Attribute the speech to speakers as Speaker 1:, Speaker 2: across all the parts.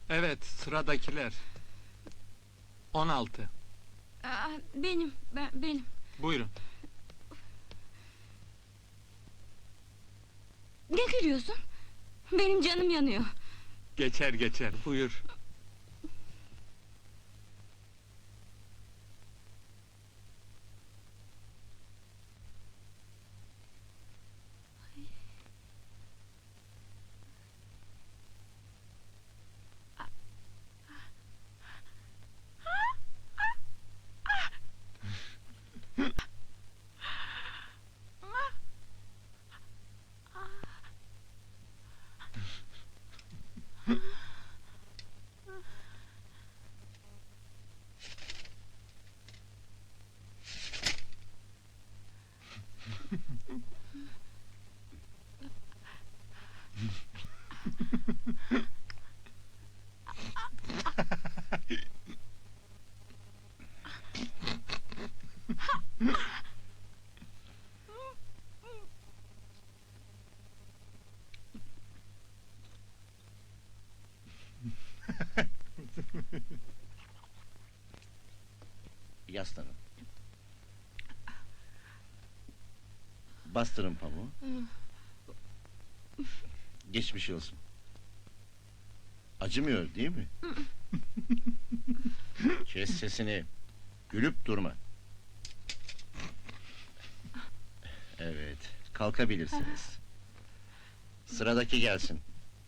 Speaker 1: Evet, sıradakiler. 16.
Speaker 2: Benim.
Speaker 1: Buyurun.
Speaker 2: Ne gülüyorsun? Benim canım yanıyor.
Speaker 1: Geçer, buyur.
Speaker 3: Yaslanın. Bastırın pamuğu. Geçmiş olsun. Acımıyor değil mi? Kes sesini. Gülüp durma. Evet, kalkabilirsiniz. Sıradaki gelsin.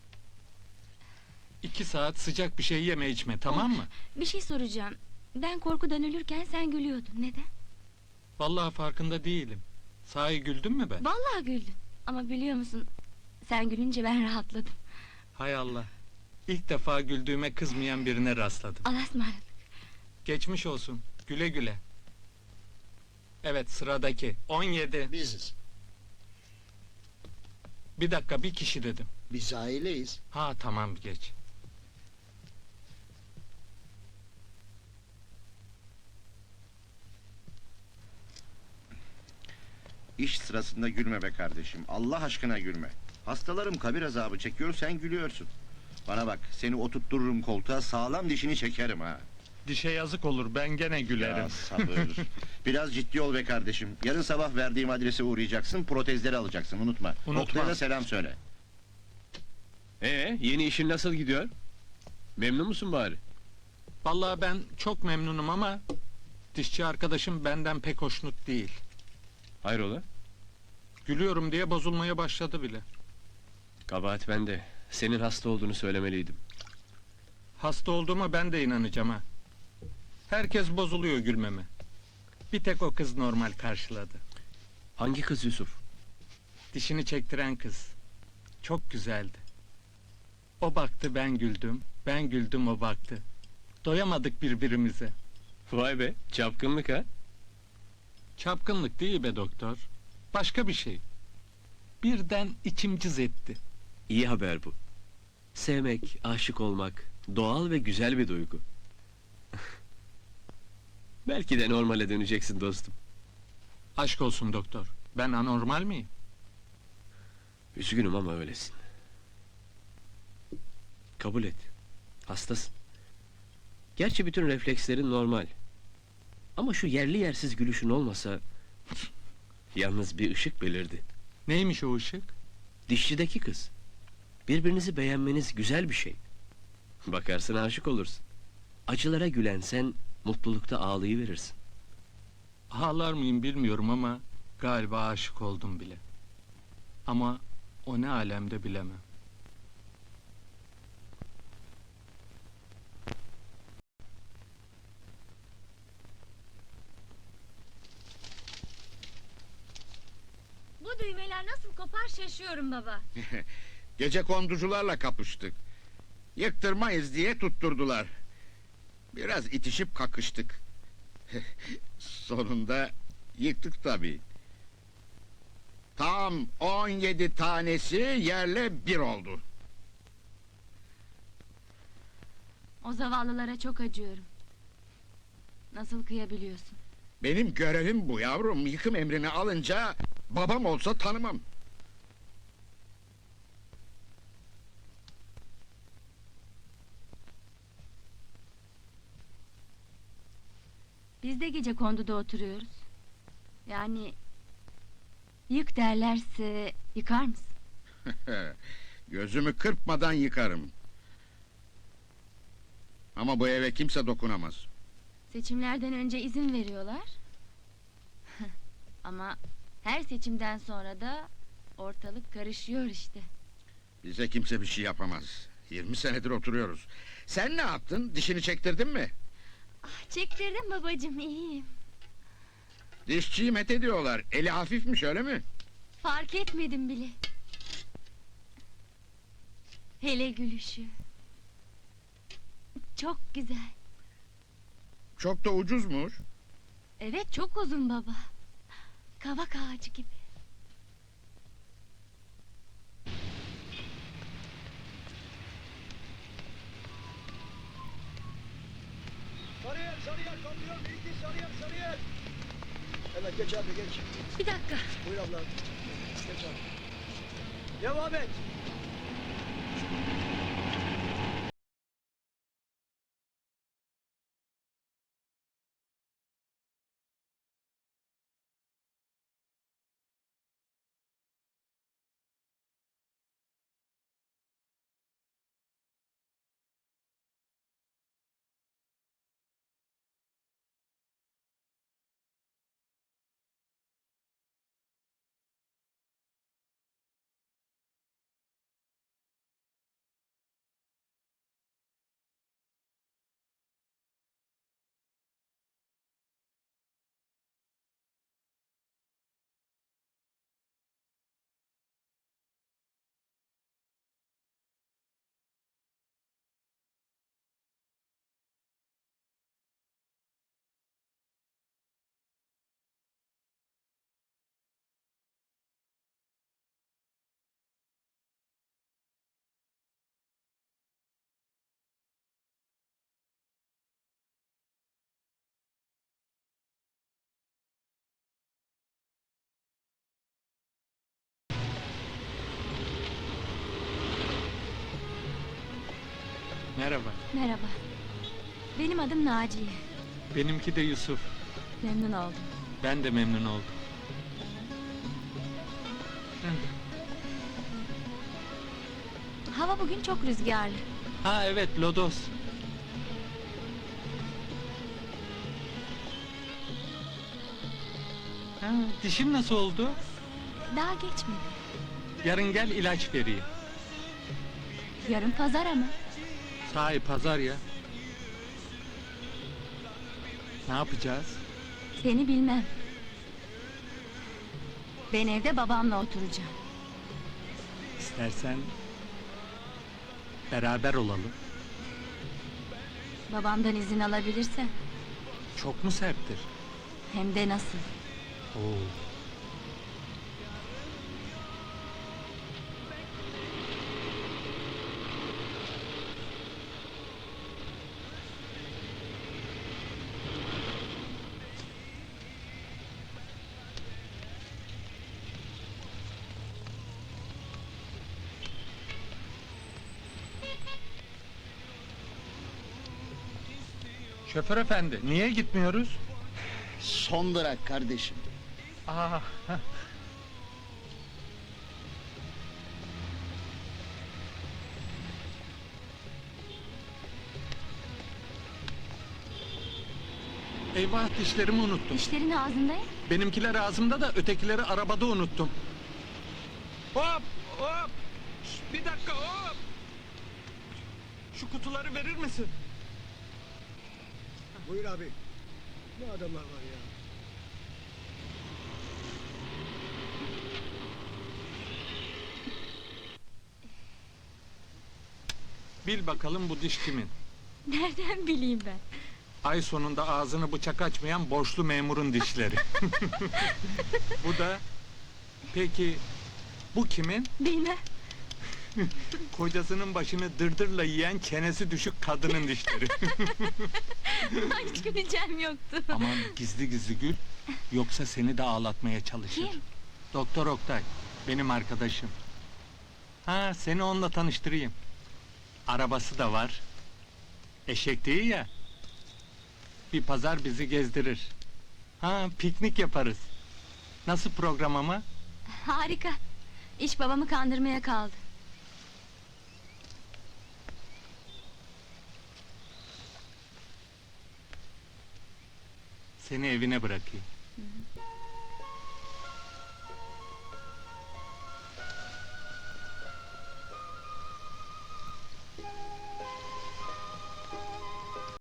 Speaker 1: 2 saat sıcak bir şey yeme içme, tamam mı?
Speaker 2: Bir şey soracağım. Ben korkudan ölürken sen gülüyordun. Neden?
Speaker 1: Vallahi farkında değilim. Sahi güldün mü ben?
Speaker 2: Vallahi güldün. Ama biliyor musun? Sen gülünce ben rahatladım.
Speaker 1: Hay Allah. İlk defa güldüğüme kızmayan birine rastladım.
Speaker 2: Allah'a ısmarladık.
Speaker 1: Geçmiş olsun. Güle güle. Evet, sıradaki. 17.
Speaker 4: Biziz.
Speaker 1: Bir dakika, bir kişi dedim.
Speaker 4: Biz aileyiz.
Speaker 1: Ha tamam, geç.
Speaker 3: İş sırasında gülme be kardeşim. Allah aşkına gülme. Hastalarım kabir azabı çekiyor, sen gülüyorsun. Bana bak, seni oturttururum koltuğa, sağlam dişini çekerim ha.
Speaker 1: Dişe yazık olur, ben gene gülerim.
Speaker 3: Ya sabır. Biraz ciddi ol be kardeşim. Yarın sabah verdiğim adrese uğrayacaksın, protezleri alacaksın, unutma.
Speaker 1: Unutmam.
Speaker 3: Oktay'a da selam söyle.
Speaker 5: Yeni işin nasıl gidiyor? Memnun musun bari?
Speaker 1: Vallahi ben çok memnunum ama... dişçi arkadaşım benden pek hoşnut değil.
Speaker 5: Hayrola?
Speaker 1: Gülüyorum diye bozulmaya başladı bile.
Speaker 5: Kabahat bende. Senin hasta olduğunu söylemeliydim.
Speaker 1: Hasta olduğuma ben de inanacağım ha. Herkes bozuluyor gülmeme. Bir tek o kız normal karşıladı.
Speaker 5: Hangi kız Yusuf?
Speaker 1: Dişini çektiren kız. Çok güzeldi. O baktı, ben güldüm. Ben güldüm, o baktı. Doyamadık birbirimize.
Speaker 5: Vay be, çapkınlık ha?
Speaker 1: Çapkınlık değil be doktor. Başka bir şey. Birden içim cız etti.
Speaker 5: İyi haber bu. Sevmek, aşık olmak, doğal ve güzel bir duygu. Belki de normale döneceksin dostum.
Speaker 1: Aşk olsun doktor. Ben anormal miyim?
Speaker 5: Üzgünüm ama öylesin. Kabul et. Hastasın. Gerçi bütün reflekslerin normal. Ama şu yerli yersiz gülüşün olmasa... Yalnız bir ışık belirdi.
Speaker 1: Neymiş o ışık?
Speaker 5: Dişçideki kız. Birbirinizi beğenmeniz güzel bir şey. Bakarsın aşık olursun. Acılara gülen sen, mutlulukta ağlayıverirsin.
Speaker 1: Ağlar mıyım bilmiyorum ama... galiba aşık oldum bile. Ama o ne alemde bilemem.
Speaker 2: Bu düğmeler nasıl kopar şaşıyorum baba.
Speaker 6: Gecekonducularla kapıştık. Yıktırmayız diye tutturdular. Biraz itişip kakıştık. Sonunda yıktık tabii. Tam 17 tanesi yerle bir oldu.
Speaker 2: O zavallılara çok acıyorum. Nasıl kıyabiliyorsun?
Speaker 6: Benim görevim bu yavrum. Yıkım emrini alınca babam olsa tanımam.
Speaker 2: Biz de gece konduda oturuyoruz. Yani... Yık derlerse yıkar mısın?
Speaker 6: Gözümü kırpmadan yıkarım. Ama bu eve kimse dokunamaz.
Speaker 2: Seçimlerden önce izin veriyorlar. Ama her seçimden sonra da ortalık karışıyor işte.
Speaker 6: Bize kimse bir şey yapamaz. 20 senedir oturuyoruz. Sen ne yaptın? Dişini çektirdin mi?
Speaker 2: Çektirdim babacığım, iyiyim.
Speaker 6: Dişçiyi met ediyorlar. Eli hafifmiş, öyle mi?
Speaker 2: Fark etmedim bile. Hele gülüşü. Çok güzel.
Speaker 6: Çok da ucuzmuş.
Speaker 2: Evet, çok uzun baba. Kavak ağacı gibi.
Speaker 4: Sarıyer, Sarıyer kalkıyor. İlki Sarıyer, Sarıyer. Evet, geç abi, geç.
Speaker 2: Bir dakika.
Speaker 4: Buyur abla. Geç abi. Devam et.
Speaker 1: Merhaba.
Speaker 2: Merhaba. Benim adım Naciye.
Speaker 1: Benimki de Yusuf.
Speaker 2: Memnun oldum.
Speaker 1: Ben de memnun oldum.
Speaker 2: Hava bugün çok rüzgarlı.
Speaker 1: Ha evet, lodos. Ha, dişin nasıl oldu?
Speaker 2: Daha geçmedi.
Speaker 1: Yarın gel, ilaç vereyim.
Speaker 2: Yarın pazar ama.
Speaker 1: Sahi pazar ya. Ne yapacağız?
Speaker 2: Seni bilmem. Ben evde babamla oturacağım.
Speaker 1: İstersen beraber olalım.
Speaker 2: Babamdan izin alabilirsem.
Speaker 1: Çok mu serttir?
Speaker 2: Hem de nasıl.
Speaker 1: Oo. Şoför efendi, niye gitmiyoruz?
Speaker 7: Son durak kardeşim.
Speaker 1: Aa, eyvah, dişlerimi unuttum.
Speaker 2: Dişlerin ağzında ya.
Speaker 1: Benimkiler ağzımda da ötekileri arabada unuttum. Hop hop! Şş, bir dakika, hop! Şu kutuları verir misin?
Speaker 4: Buyur abi. Ne adamlar var ya.
Speaker 1: Bil bakalım bu diş kimin?
Speaker 2: Nereden bileyim ben?
Speaker 1: Ay sonunda ağzını bıçak açmayan borçlu memurun dişleri. Bu da... Peki bu kimin?
Speaker 2: Bilmem.
Speaker 1: Kocasının başını dırdırla yiyen çenesi düşük kadının dişleri.
Speaker 2: Hiç güleceğim yoktu.
Speaker 1: Aman gizli gizli gül, yoksa seni de ağlatmaya çalışır.
Speaker 2: Kim?
Speaker 1: Doktor Oktay, benim arkadaşım. Ha, seni onunla tanıştırayım. Arabası da var. Eşek değil ya. Bir pazar bizi gezdirir. Ha, piknik yaparız. Nasıl program ama?
Speaker 2: Harika. İş babamı kandırmaya kaldı.
Speaker 1: Seni evine bırakayım.